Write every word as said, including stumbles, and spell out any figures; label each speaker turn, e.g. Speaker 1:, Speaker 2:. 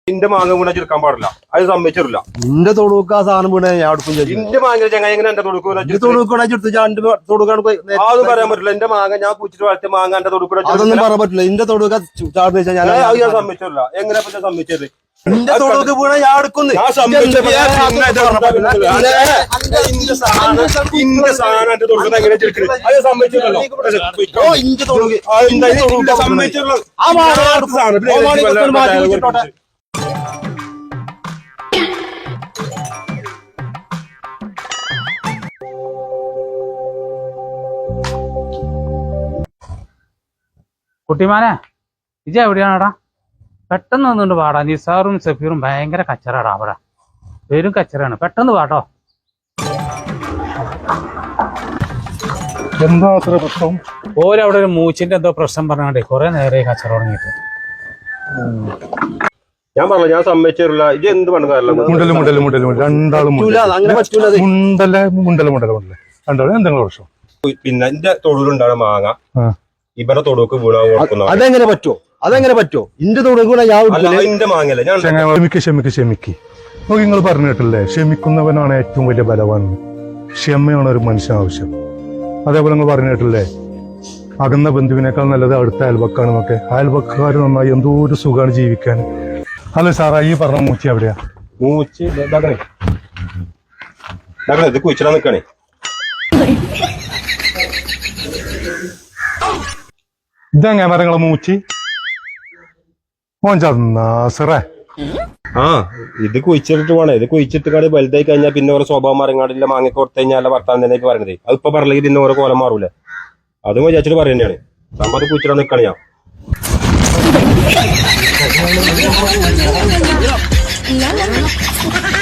Speaker 1: ഇന്റെ മാങ്ങ വീണ ചെറുക്കാൻ പാടില്ല, അത് സമ്മതിച്ചില്ല.
Speaker 2: നിന്റെ തൊടുക്ക ആ സാധനം വീണ ഞാൻ അടുക്കും
Speaker 1: ഇന്റെ മാങ്ങ ചങ്ങ എങ്ങനെ എന്റെ തൊടുക്കൂടെ അത് പറയാൻ പറ്റില്ല. എന്റെ മാങ്ങ ഞാൻ പൂച്ചിട്ട് വളർത്തിയ മാങ്ങ എന്റെ തൊടുക്കൂടെ
Speaker 2: അതൊന്നും പറയാൻ പറ്റില്ല. ഇന്റെ തൊടുക്ക ചാടുന്ന വെച്ചാൽ ഞാൻ
Speaker 1: ഞാൻ സമ്മതിച്ചില്ല. എങ്ങനെ പറ്റാ സമ്മതിച്ചത്?
Speaker 2: നിന്റെ തൊടുക്ക് വീണ ഞാൻ അടുക്കുന്നു.
Speaker 1: ഇന്റെ സാധനം എന്റെ തൊടുക്കുന്നത് എങ്ങനെ ചെറുക്കുന്നത് അത് സമ്മതിച്ചില്ലല്ലോ. സമ്മതിച്ചുള്ളൂ.
Speaker 3: കുട്ടിമാനെ ഇജ എവിടെയാണടാ? പെട്ടെന്ന് വന്നുകൊണ്ട് പാടാ. നിസാറും സഫീറും ഭയങ്കര കച്ചറാടാ അവിടെ, പേരും കച്ചറാണ്. പെട്ടെന്ന് പാട്ടോ.
Speaker 4: എന്താ അത്ര പ്രശ്നം?
Speaker 3: ഓരവിടെ ഒരു മൂച്ചിന്റെ എന്തോ പ്രശ്നം പറഞ്ഞാണ്ടേ കുറെ നേരെ കച്ചറ തുടങ്ങിയിട്ട്.
Speaker 1: ഞാൻ പറഞ്ഞു ഞാൻ സമ്മതിച്ചില്ല. ഇത് എന്ത് പണിക്കാരല്ല
Speaker 4: മുണ്ടല് മുണ്ടല് മുണ്ടല് രണ്ടാളും മുണ്ടല മുണ്ടല മുണ്ടല മുണ്ടല രണ്ടാളും എന്തെങ്കിലും പ്രശ്നം.
Speaker 1: പിന്നെ എന്റെ തൊടുവിലുണ്ടാണ് മാങ്ങ ഇവരുടെ തൊടുക്ക് വീണാൻ കൊടുക്കുന്നു.
Speaker 2: അതെങ്ങനെ പറ്റുമോ? അതെങ്ങനെ പറ്റുമോ? ഇന്റെ തൊടുക്കൂടെ ഞാൻ
Speaker 1: എന്റെ മാങ്ങല്ലേ ഞാൻ
Speaker 4: ക്ഷമിക്ക് ക്ഷമിക്ക് ക്ഷമിക്ക്. നോക്കി നിങ്ങൾ പറഞ്ഞിട്ടില്ലേ, ക്ഷമിക്കുന്നവനാണ് ഏറ്റവും വലിയ ബലവാൻ. ക്ഷമയാണ് ഒരു മനുഷ്യൻ ആവശ്യം. അതേപോലെ നിങ്ങൾ പറഞ്ഞിട്ടില്ലേ, അകന്ന ബന്ധുവിനേക്കാൾ നല്ലത് അടുത്ത അയൽവക്കാണെന്നൊക്കെ. അയൽവക്കാർ നന്നായി എന്തോ ഒരു സുഖമാണ് ജീവിക്കാൻ. അല്ല സാറാ, ഈ പറഞ്ഞ മൂച്ചി എവിടെയാ?
Speaker 1: മൂച്ചി ഇത് കുഴിച്ചിടാൻ നിക്കണേ.
Speaker 4: ഇതെങ്ങനെ മരങ്ങളെ മൂച്ചി മോൻ ചാറേ?
Speaker 1: ആ ഇത് കുഴിച്ചിട്ട് പോണേ. ഇത് കുഴിച്ചിട്ട് കാട് വലുതായി കഴിഞ്ഞാൽ പിന്നെ ഓരോ സ്വഭാവം മരങ്ങാടില്ല. മാങ്ങ കൊടുത്തു കഴിഞ്ഞാൽ വർത്താൻ തന്നെ പറയണത്. അത് ഇപ്പൊ പറഞ്ഞെങ്കിൽ പിന്നെ ഓരോ കോലം മാറൂല. അതും വിചാരിച്ചിട്ട് പറയുന്നതാണ്. സംഭവം കുഴിച്ചിടാൻ നിക്കണേ. ഞാൻ